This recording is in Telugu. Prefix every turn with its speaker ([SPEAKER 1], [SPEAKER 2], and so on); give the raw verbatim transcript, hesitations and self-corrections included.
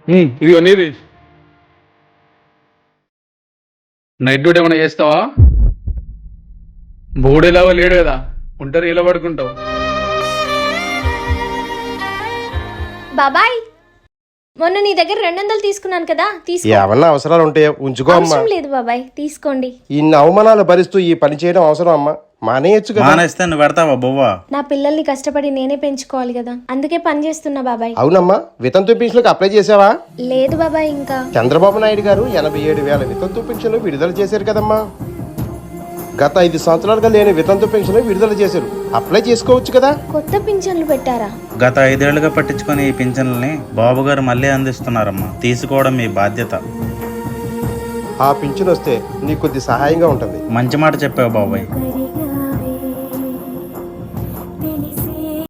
[SPEAKER 1] ఇదిగో నీది నైట్ డ్యూటీ ఏమైనా చేస్తావా? బోడేలావా లేడు కదా, ఉంటారు ఇలా పడుకుంటావు.
[SPEAKER 2] బాబాయ్, మొన్న నీ దగ్గర రెండు వందలు తీసుకున్నాను కదా, తీసుకో.
[SPEAKER 3] ఏమన్నా అవసరాలు ఉంటే ఉంచుకో అమ్మా.
[SPEAKER 2] అవసరం లేదు బాబాయ్, తీసుకోండి.
[SPEAKER 3] ఇన్ని అవమానాలు భరిస్తూ ఈ పని చేయడం అవసరం అమ్మా? మానేయచ్చు కదా.
[SPEAKER 4] మానేస్తే నువ్వు పెడతావా బొవ్వా?
[SPEAKER 2] నా పిల్లల్ని కష్టపడి నేనే పెంచుకోవాలి కదా, అందుకే పని చేస్తున్నా బాబాయ్.
[SPEAKER 3] అవునమ్మా, వితంతు పెన్షన్లకు అప్లై చేసావా?
[SPEAKER 2] లేదు బాబాయ్, ఇంకా.
[SPEAKER 3] చంద్రబాబు నాయుడు గారు ఎనభై ఏడు వేల వితంతు పెన్షన్లు విడుదల చేశారు కదమ్మా. గత ఐదు సంవత్సరాలుగా లేని వితంతు పెన్షన్ విడుదల చేశారు, అప్లై చేసుకోవచ్చు కదా.
[SPEAKER 2] కొత్త పింఛన్లు పెట్టారా?
[SPEAKER 4] గత ఐదేళ్లుగా పట్టించుకుని ఈ పింఛన్లని బాబు గారు మళ్ళీ అందిస్తున్నారమ్మా. తీసుకోవడం మీ బాధ్యత.
[SPEAKER 3] ఆ పింఛన్ వస్తే నీకు కొద్ది సహాయంగా ఉంటుంది.
[SPEAKER 4] మంచి మాట చెప్పావు బాబాయ్.